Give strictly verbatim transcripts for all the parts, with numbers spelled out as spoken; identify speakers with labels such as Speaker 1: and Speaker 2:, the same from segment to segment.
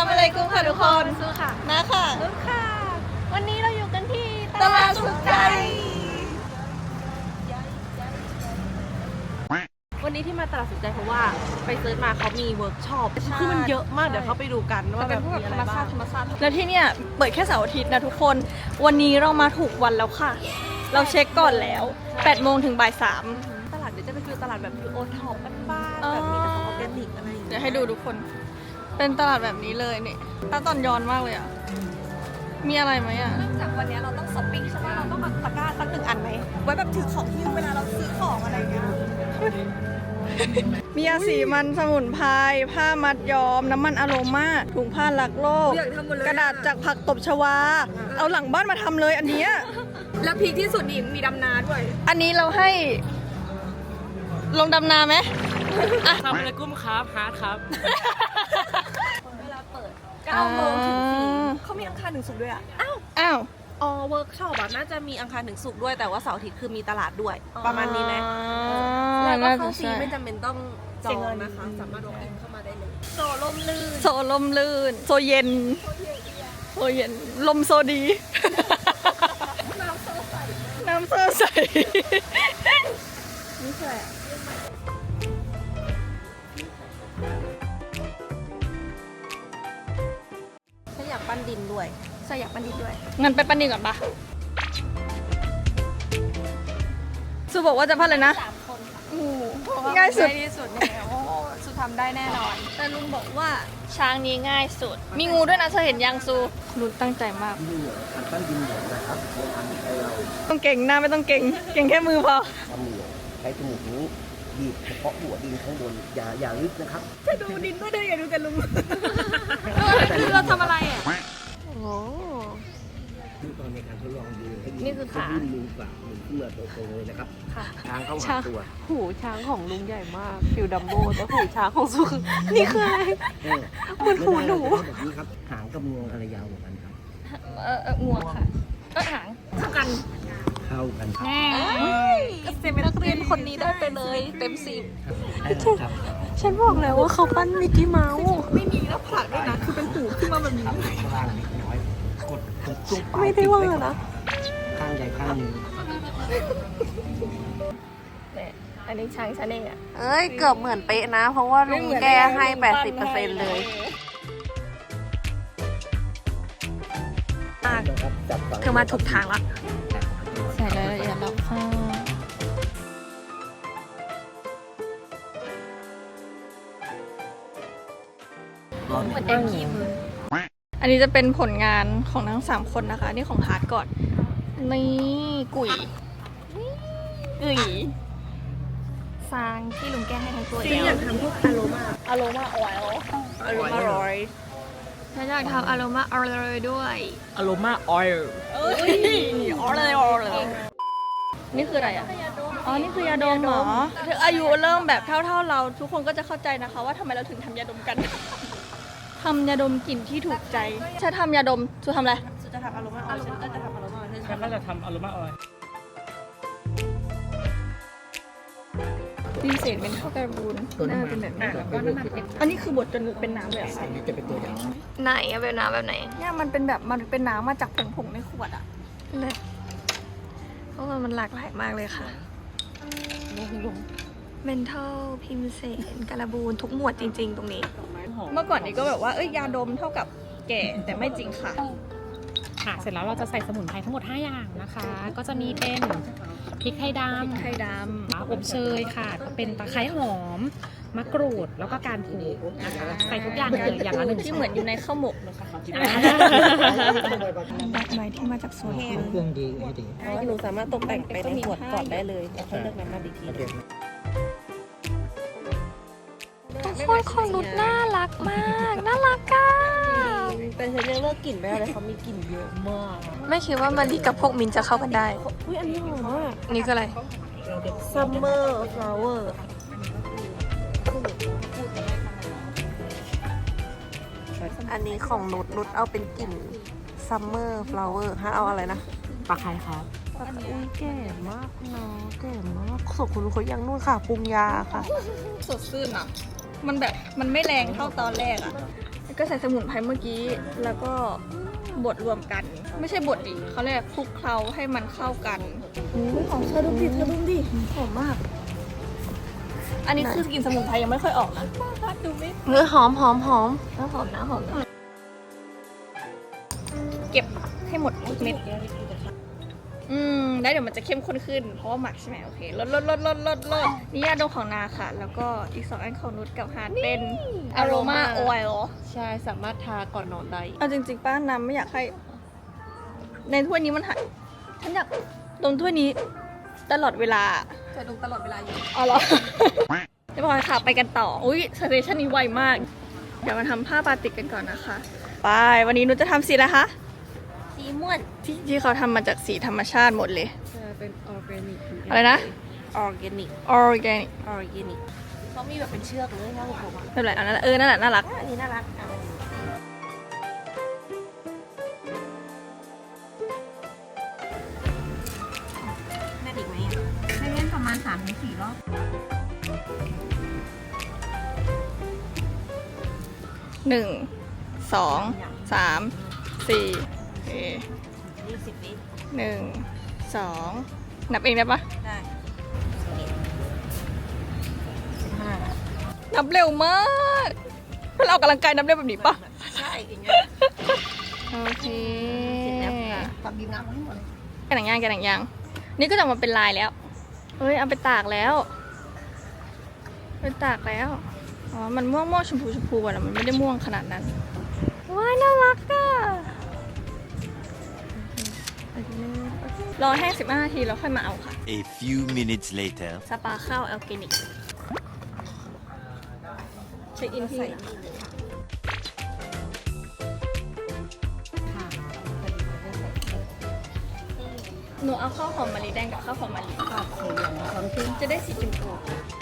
Speaker 1: ำอะไรกุ้งค่ะทุกคนสู้ค่ะมาค่ะ
Speaker 2: นุชค่ะวันนี้เราอยู่กันที่
Speaker 1: ตลาดสุขใจ
Speaker 2: วันนี้ที่มาตลาดสุขใจเพราะว่าไปเซิร์ชมาเขามีเวิร์กช็อปคือมันเยอะมากเดี๋ยวเขาไปดูกันว่าแบบมีอะไรบ้าง
Speaker 1: แล้วที่เนี่ยเปิดแค่เสาร์อาทิตย์นะทุกคนวันนี้เรามาถูกวันแล้วค่ะ เราเช็คก่อนแล้วแปดโมงถึงบ่ายสาม
Speaker 2: ตลาดเดี๋ยวจะไปคือตลาดแบบคือโอท็อปบ้านๆแบบมีแต่ของออร์แกนิกอะไรอย่าง
Speaker 1: เดี๋
Speaker 2: เงี้
Speaker 1: ยวย ให้ดูทุกคนเป็นตลาดแบบนี้เลยนี่ตาตอนย้อนมากเลยอ่ะมีอะไรไหมอ่ะ
Speaker 2: เนื่องจากวันนี้เราต้องช้อปปิ้งใช่ไหมเราต้องแบบตะกร้าสักหนึ่งอันไหมไว้แบบถือของที่เวลาเราซื้อของอะไรอย่างเงี้ย
Speaker 1: มียาสีมันสมุนไพรผ้ามัดย้อมน้ำมันอะโรมาถุงผ้ารักโลก
Speaker 2: อยากทำหมดเลย
Speaker 1: กระดาษจากผักตบชวา เอาหลังบ้านมาทำเลยอันเนี้ย
Speaker 2: แล้วพีคที่สุดนี่มีดำนาด้วย
Speaker 1: อันนี้เราให้ ลงดำนาไหมอ่ะ
Speaker 3: ทำอะไรกุ้มครับฮาร์ดครับ
Speaker 2: เวลาเปิดเก้าโมงถึงสี่เขามีอังคารถึงศุกร์ด้วยอ่ะ อ้าว
Speaker 1: อ้าว
Speaker 2: อ๋อเวิร์กช็อปอ่ะน่าจะมีอังคารถึงศุกร์ด้วยแต่ว่าเสาร์อาทิตย์คือมีตลาดด้วย ประมาณนี้ไหม แล้วก็เข้าฟรีไม่จำเป็นต้องจองนะคะ สามารถลงอินเข้ามาได้เลย โซลมลื่น
Speaker 1: โซลมลื่น โซเย็น โซเย็น ลมโซดี
Speaker 2: น้ำโซใส
Speaker 1: น้ำโซใส
Speaker 2: นี่คืออะไรฉันอยากปั้นดินด้วยฉันอยากปั้นดินด้วย
Speaker 1: งั้นไปปั้นดินก่อนปะซูบอกว่าจะปั้นเลยนะ
Speaker 2: สามคนค่ะ
Speaker 1: อู้ง่ายสุด
Speaker 2: ง่ายที่สุดเนี่ยโอ้สุทำได้แน่นอน
Speaker 1: แต่ลุงบอกว่าช้างนี้ง่ายสุด มีงูด้วยนะเธอเห็นยังซูลุงตั้งใจมาก
Speaker 4: นี่เหรอการปั้นดินเหนียวนะครับโบราณไทยเรา
Speaker 1: ต้องเก่งหน้าไม่ต้องเก่ง เก่งแค่มือพอ
Speaker 4: ทำเหนียวใช้จมูกนี้บีบเฉพาะหัวดินข้างบนอย่าอย่าลึกนะครับ
Speaker 1: จะดูดินด้วยเธออย่าดูแต่ลุง
Speaker 2: คือเราทำอะไรอ่ะ โอ้
Speaker 4: ดูตอนในการทดลองดูให้ดิ
Speaker 2: นี่คือขา
Speaker 4: ให้ดินมือกว่ามือขึ้นมาตรงๆเลยนะครับทางเข้าหาตัว
Speaker 2: หูช้างของลุงใหญ่มากฟิวดัมโบแต่หูช้างของสุคือนี่คืออะไร
Speaker 4: เออ
Speaker 2: เหมือนหูหนู
Speaker 4: ไม่ได้แบบนี้ครับหางกับงวงอะไรยาวกว่ากันครับ
Speaker 1: เออเอองวงค่ะเออหาง
Speaker 2: เท่ากัน
Speaker 4: เข้ากันครับ
Speaker 2: เซมนักเรียนคนนี้ได้ไปเลยเต็มสิบ
Speaker 4: ครับ
Speaker 2: ฉันบอกแล้วว่าเขาปั้นมิกกี้เมาส์ไม่มีหน้าผากด้วยนะ คือเป็นหูขึ้นมาแบบนี้
Speaker 4: ครับข้างล่างนิดน้อยกดกดจุ๊บ
Speaker 2: ไม่ได้ว่านะ
Speaker 4: ข้างใดข้างหนึ่ง
Speaker 1: อันนี้ช้างชาเน่อะ
Speaker 2: เอ้ย เกือบเหมือนเป๊ะนะ เพราะว่าลุงแกให้ แปดสิบเปอร์เซ็นต์ เลย
Speaker 4: นะครับจับฝั่ง
Speaker 2: เธอมาถูกทางละ
Speaker 1: ใส่รายละเอียดแล้วค่ะเหมือนเอ็มคีมืออันนี้จะเป็นผลงานของทั้งสามคนนะคะ นี่ของฮาร์ดก่อน นี่กุ๋ยกุ๋ย
Speaker 2: ซางที่ลุงแกให้ทั้งตัว
Speaker 1: จริงอยากทำพวกอโรมาอโรมาออยล์
Speaker 2: อารมณ์อร่อย
Speaker 1: ฉันอยากทำอโรมาออยล์ด้วย
Speaker 3: อโรมาออยล์
Speaker 1: เอ้ยออยล์ออยล์นี่คืออะไรอ่ะ อ๋อ นี่คือยาดมเหรอถึงอายุเริ่มแบบเท่าๆเรา ทุกคนก็จะเข้าใจนะคะว่าทำไมเราถึงทำยาดมกัน ทำยาดมกลิ่นที่ถูกใจฉันทำยาดมชูทำอะไร
Speaker 2: สุดจะทำอารมณ์อร่อยฉันก็จะทำอารมณ์อร่อย
Speaker 3: แล้วก็จะทำอโรมาออยล์
Speaker 1: ดีเศษเป็นเท่าการบูนน่าเป็นแบบนี้
Speaker 3: แล้วก็น้ำมันเอ็กซ์
Speaker 1: อันนี้คือบดจนเป็นน้ำเลยเหรอ
Speaker 4: อันนี้จะเป็นตัวอย่าง
Speaker 1: ไหนอะเป็นน้ำแบบไหน เนี่ยมันเป็นแบบมันเป็นน้ำมาจากผงๆในขวดอะเลยเพราะว่ามันหลากหลายมากเลยค่ะเมนทัลพิมเสนการบูนทุกหมวดจริง ๆ ตรงนี้ เมื่อก่อนนี้ก็แบบว่าเอ้ยยาดมเท่ากับแก่แต่ไม่จริงค่ะ
Speaker 3: ค่ะ เสร็จแล้วเราจะใส่สมุนไพรทั้งหมดห้าอย่างนะคะ ก็จะมีเป็นพริกไทยดำ
Speaker 1: ไข่ด
Speaker 3: อบเชยค่ะก็เป็นตะไคร้หอม มะกรูด แล้วก็การผูนะคะ ใส่ทุกอย่างเลยอย่างละหนึ่ง
Speaker 1: ำที่เหมือนอยู่ในข้าวหมก
Speaker 3: อ่า
Speaker 1: ดอกไม้ที่มาจากสวน
Speaker 4: เครื่องดีให้ดี
Speaker 2: หนูสามารถตกแต่งไปในขวดก่อนได้เลยแล้วค่อยเลือกน้ำมันอีกที
Speaker 4: โอเค
Speaker 1: ทุกคนของนุชน่ารักมากน่ารักอ่ะ
Speaker 2: แต่ฉันยังเลิกกลิ่นไม่ได้เลยเขามีกลิ่นเยอะมาก
Speaker 1: ไม่คิดว่ามารีกับพวกมินจะเข้ากันได้
Speaker 2: อุ้ยอันนี้หอมมาก
Speaker 1: นี่คืออะไร
Speaker 2: Summer Flower อันนี้ของนุชนุชเอาเป็นกลิ่น Summer Flower ฮะเอาอะไรนะ
Speaker 3: ปลาไข่ครับ
Speaker 2: อุ้ยแก่มากเนาะแก่มากส่วนคุณเขายังนู่นค่ะปรุงยาค่ะ
Speaker 1: สดชื่นอ่ะ มันแบบมันไม่แรงเท่าตอนแรกอ่ะก็ใส่สมุนไพรเมื่อกี้แล้วก็บดรวมกัน ไม่ใช่บดดิเขาเรียกคลุกเคล้าให้มันเข้ากันอู้หอมเธอดูดิเธอดูดิหอมมาก อันนี้คือกลิ่นสมุนไพรยังไม่ค่อยออกนะดูไม่
Speaker 2: เนื้อหอมหอมหอม
Speaker 1: หอมนะหอมนะเก็บให้หมดทุกเม็ดอืมแล้วเดี๋ยวมันจะเข้มข้นขึ้นเพราะว่าหมักใช่ไหมโอเคลดลดลดลดลดลดนี่ยาดมของนาค่ะ แล้วก็อีกสองอันของนุชกับฮาร์ดเป็น aroma oil
Speaker 2: ใช่สามารถทาก่อนนอนได้
Speaker 1: เอาจริงๆป้าน้ำไม่อยากให้ ในถ้วยนี้มันหายฉันอยากดมถ้วยนี้ตลอดเวลา
Speaker 2: จะดมตลอดเวลาอยู่
Speaker 1: อ๋อเหรอ เรียบร้อยค่ะไปกันต่อ อุ้ยสเตชันนี้ไวมาก เดี๋ยวมาทำผ้าบาติกกันก่อนนะคะ ไปวันนี้นุชจะทำสีอะไรคะ
Speaker 2: สีม่วน
Speaker 1: ที่ที่เขาทำมาจากสีธรรมชาติหมดเลย
Speaker 2: จะเป็นออร์แกนิก
Speaker 1: อะไรนะ
Speaker 2: ออร์แกนิก
Speaker 1: organic
Speaker 2: ออร์แกนิกเขามีแบบเป็นเชือกเลยค่ะผมอ่ะ
Speaker 1: ไม่เป็นไรอันนั้นเออนั่นแหละน่ารัก
Speaker 2: อันนี้น่ารักอ่ะแม่ดิกไหมอ่ะ
Speaker 3: ให้เล่นประมาณสามถึงสี่รอบ
Speaker 1: หนึ่งสองสามสี่โอเค
Speaker 2: ยี่สิบวิ
Speaker 1: หนึ่งสองนับเองได้ปะ
Speaker 2: ได้สิบห้า
Speaker 1: นับเร็วมากถ้าเราออกกำลังกายนับเร็วแบบนี้ปะ
Speaker 2: ใช่อย่างเงี้ย
Speaker 1: โอเค
Speaker 2: เสร็จแล้วค่ะ
Speaker 4: ตักดินน้ำให้หมดเลย
Speaker 1: แกะหนังยางแกะหนังยางนี่ก็จะออกมาเป็นลายแล้วเอ้ยเอาไปตากแล้วไปตากแล้วอ๋อมันม่วงม่วงชมพูชมพูอะนะมันไม่ได้ม่วงขนาดนั้นว้ายน่ารักอะรอแห้งสิบห้านาทีแล้วค่อยมาเอาค่ะ
Speaker 5: A few minutes later.
Speaker 1: สปาข้าวแอลเกนิกเช็คอินที่หนูเอาข้าวหอมมะลิแดงกับข้าวหอมมะลิจะได้สีชมพู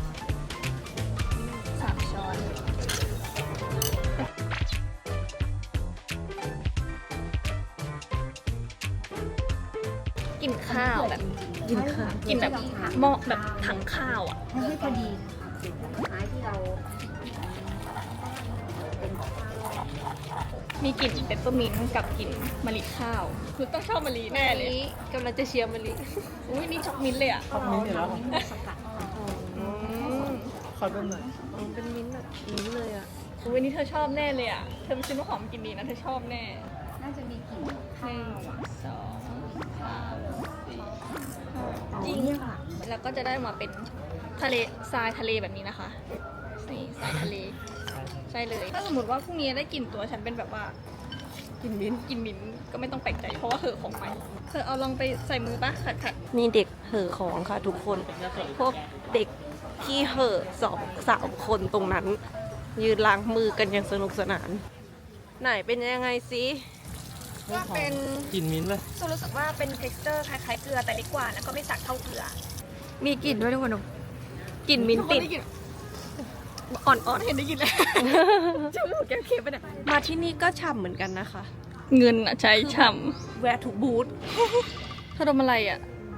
Speaker 1: สามช้อนกินข้าวแบบกินข้าวกินแบบหม้อแบบถังข้าวอ่ะ
Speaker 3: ให้พอดี
Speaker 1: มีกลิ่นเปปเปอร์มินต์กับกลิ่นมะลิข้าวคือต้องชอบมะลิแน่เลย
Speaker 2: นี้กำลังจะเชียร์มะลิ
Speaker 1: อุ้ยนี่ช็อกมิ้นท์เลยอ่ะ
Speaker 4: ชอบมิ้นท์อยู่แล้ว
Speaker 1: อืม
Speaker 4: ขอดมหน่อย
Speaker 2: เป็นมิ้นท์แบบนี้เลยอ่ะ
Speaker 1: อุ้ยนี่เธอชอบแน่เลยอ่ะเธอไปซื้อน้ำหอมกินดีนะเธอชอบแน่
Speaker 3: น่าจะมีกลิ่น
Speaker 1: หนึ่งสองสามสี่ห้าจริงค่ะแล้วก็จะได้มาเป็นทะเลทรายทะเลแบบนี้นะคะนี่ทรายทะเลใช่เลย ถ้าสมมติว่าพรุ่งนี้ได้กลิ่นตัวฉันเป็นแบบว่า
Speaker 2: กินมิ้นท์
Speaker 1: กลิ่นมิ้นท์ก็ไม่ต้องแปลกใจเพราะว่าเหอะของไปเธอเอาลองไปใส่มือปะขัดขัด
Speaker 2: นี่เด็กเห่อของค่ะทุกคน พวกเด็กที่เห่อสองสามคนตรงนั้น ยืนล้างมือกันอย่างสนุกสนาน ไหนเป็นยังไงซิ
Speaker 1: ว่าเป็น
Speaker 4: กลิ่นมิ้นท์เลย
Speaker 1: รู้สึกว่าเป็น texture คล้ายๆเกลือแต่เล็กกว่าแล้วก็ไม่สักเท่าเกลือ มีกลิ่นด้วยทุกคนกลิ่นมิ้นท์ติดอ่อนๆเห็นได้ยินเลยจมูกแก้มเค็มไปเนี่ย
Speaker 2: มาที่นี่ก็ฉ่ำเหมือนกันนะคะ
Speaker 1: เงินอะใช้ฉ่
Speaker 2: แวะทุกบูธ
Speaker 1: ำเธอดมอะไรอะ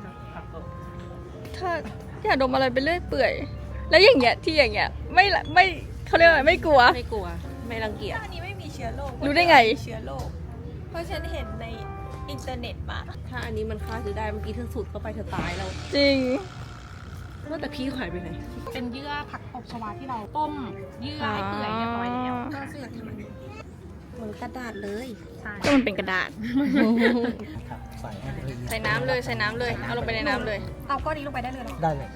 Speaker 1: ถ้าอยากดมอะไรไปเรื่อยเปื่อย แล้วอย่างเงี้ยที่อย่างเงี้ยไม่ละไม่เขาเรียกว่าอะไรไม่กลัว
Speaker 2: ไม่กลัว ไม่รังเกียจ
Speaker 1: อันนี้ไม่มีเชื้อโรครู้ได้ไงเชื้อโรคเพราะฉันเห็นในอินเทอร์เน็ตมา
Speaker 2: ถ้าอันนี้มันฆ่าซื้อได้เมื่อกี้เธอสูดเข้าไปเธอตายแล้ว
Speaker 1: จริง
Speaker 2: ว่าแต่พี่หายไปไหน
Speaker 3: เป็นเยื่อผักตบชวาที่เราต้มเยื่อให้เปื่อยเรียบร้อยแล้ว
Speaker 1: อ๋อ
Speaker 3: ก็เสือกทำมัน
Speaker 2: เหมือนกระดาษเลย
Speaker 3: ใช่
Speaker 1: ก็มันเป็นกระดาษ
Speaker 4: ครับใส่ให้เลย
Speaker 1: ใส่น้ำเลยใส่น้ำเลยเอาลงไปในน้ำเลย
Speaker 3: เอาก้อนนี้ลงไปได้เลยเหรอ
Speaker 4: ได้เลย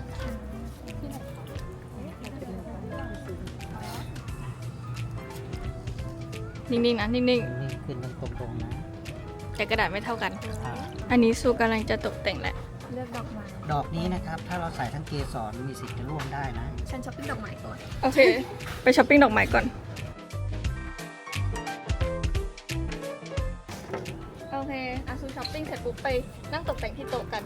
Speaker 1: นิ่งๆนะนิ่ง
Speaker 4: นี่ขึ้นตรงๆนะ
Speaker 1: ๆแต่กระดาษไม่เท่ากัน
Speaker 4: อ่า
Speaker 1: อันนี้ซูกำลังจะตกแต่งแหละ
Speaker 3: เลือกดอกไม้
Speaker 4: ดอกนี้นะครับ ถ้าเราใส่ทั้งเกสรมีสิทธิ์จะร่วงได้นะ
Speaker 3: ฉันช้อปปิ้งดอกไม้ก่อน
Speaker 1: โอเค ไปช้อปปิ้งดอกไม้ก่อน โอเคอาซูช้อปปิ้งเสร็จปุ๊บไปนั่งตกแต่งที่โต๊ะกัน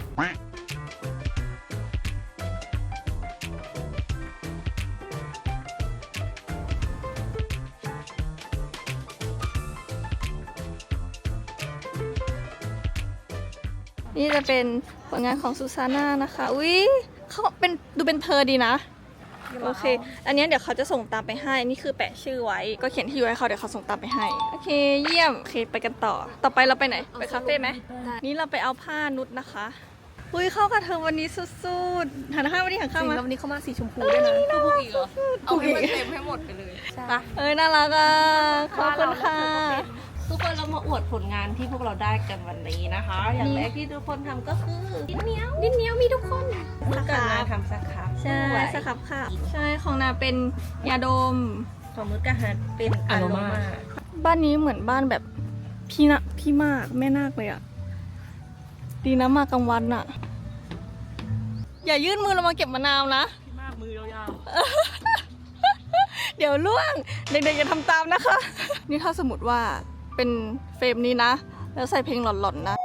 Speaker 1: นี่จะเป็นผลงานของซูซาน่านะคะ อุ๊ยเขาเป็นดูเป็นเธอดีนะโอเค อันเนี้ยเดี๋ยวเขาจะส่งตามไปให้ นี่คือแปะชื่อไว้ ก็เขียนที่อยู่ให้เขาเดี๋ยวเขาส่งตามไปให้ โอเค เยี่ยม โอเค ไปกันต่อ ต่อไปเราไปไหน ไปคาเฟ่ไหม นี่เราไปเอาผ้านุชนะคะอุ้ยเข้ากับเธอวันนี้สุดๆ หันข้างวันนี้หันข้างมา
Speaker 2: วันนี้เขามาสีชมพูด้วยนะผูกอีกเหรอ เอาให้มันเต็มให้หมดไปเลยไป
Speaker 1: เอ้ยน่ารักอ่ะ ขอบคุณค่ะ
Speaker 2: ทุกคนเรามาอวดผลงานที่พวกเราได้กันวันนี้นะคะ อย่างแรกที่ทุกคนทำก็คือดินเหนียว
Speaker 1: ดินเหนียวมีทุกคน
Speaker 2: มือกันนาทำสครับ
Speaker 1: ใช่สครับค่ะ ใช่ ของนาเป็นยาดม
Speaker 2: ของมือกันนาเป็นอโรมา
Speaker 1: บ้านนี้เหมือนบ้านแบบพี่นะพี่มากแม่นาคเลยอะดีนะมากลางวันอะอย่ายื่นมือเรามาเก็บมะนาวนะ
Speaker 2: พี่มากมือยาว
Speaker 1: เดี๋ยวล่วง เด็กๆอย่าทำตามนะคะ นี่ถ้าสมมติว่าเป็นเฟรมนี้นะ แล้วใส่เพลงหลอนๆนะ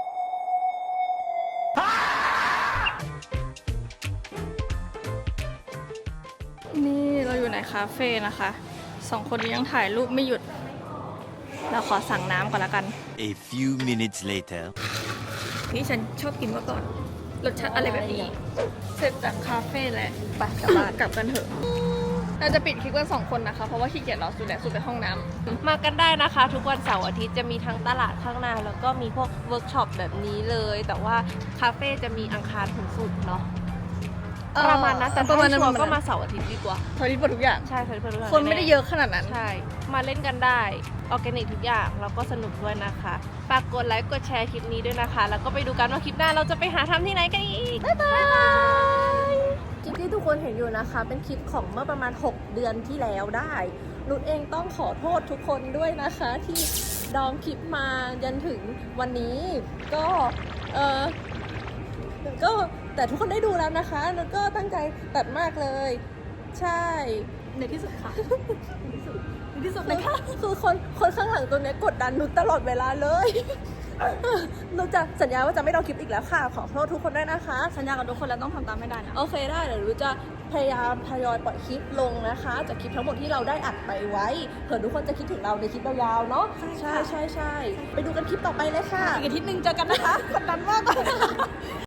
Speaker 1: นี่เราอยู่ในคาเฟ่นะคะสองคนนี้ยังถ่ายรูปไม่หยุด เราขอสั่งน้ำก่อนละกัน
Speaker 5: A few minutes later.
Speaker 1: นี่ฉันชอบกินมาก่อน รสชาติอะไรแบบนี้ เสร็จจากคาเฟ่แล้วไปกลับบ้านกลับกันเถอะ เราจะปิดคลิปกันสองคนนะคะ เพราะว่าขี้เกียจรอสุดแหละสุดไปห้องน้ำ
Speaker 2: มากันได้นะคะ ทุกวันเสาร์อาทิตย์จะมีทั้งตลาดข้างหน้าแล้วก็มีพวกเวิร์กช็อปแบบนี้เลย แต่ว่าคาเฟ่จะมีอังคารถึงศุกร์เนาะประมาณนั้นแต่
Speaker 1: ประมาณนั้น
Speaker 2: ถ้าชัวร์ก็มาเสาร์อาทิตย์ดีกว่า
Speaker 1: ทอริสหมดทุกอย่าง
Speaker 2: ใช่ค่ะเพื่อนๆ
Speaker 1: คนไม่ได้เยอะขนาดนั้น
Speaker 2: ใช่ มาเล่นกันได้ออร์แกนิกทุกอย่างแล้วก็สนุกด้วยนะคะฝากกดไลค์กดแชร์คลิปนี้ด้วยนะคะ แล้วก็ไปดูกันว่าคลิปหน้าเราจะไปหาทำที่ไหนกันอีก บ๊ายบายคลิปที่ทุกคนเห็นอยู่นะคะ เป็นคลิปของเมื่อประมาณ หก เดือนที่แล้วได้นุชเองต้องขอโทษทุกคนด้วยนะคะ ที่ดองคลิปมาจนถึงวันนี้ก็เออก็แต่ทุกคนได้ดูแล้วนะคะนุชก็ตั้งใจตัดมากเลย ใช่
Speaker 1: ในที่สุดค่ะ
Speaker 2: ที่สุดเลยค่ะคือคนคนข้างหลังตัวเนี้ยกดดันนุชตลอดเวลาเลย นุชจะสัญญาว่าจะไม่ลองคลิปอีกแล้วค่ะ ขอโทษทุกคนด้วยนะคะ
Speaker 1: สัญญากับทุกคนแล้วต้องทำตามให้ได้นะ
Speaker 2: โอเคได้เดี๋ยวนุชจะพยายามทยอยปล่อยคลิปลงนะคะจากคลิปทั้งหมดที่เราได้อัดไปไว้เผื่อทุกคนจะคิดถึงเราในคลิปยาวๆเนาะใช่ใช่ใช่ไปดูกันคลิปต่อไปเลยค่ะ
Speaker 1: อีกอาทิตย์หนึ่งเจอกันนะคะกดดันมาก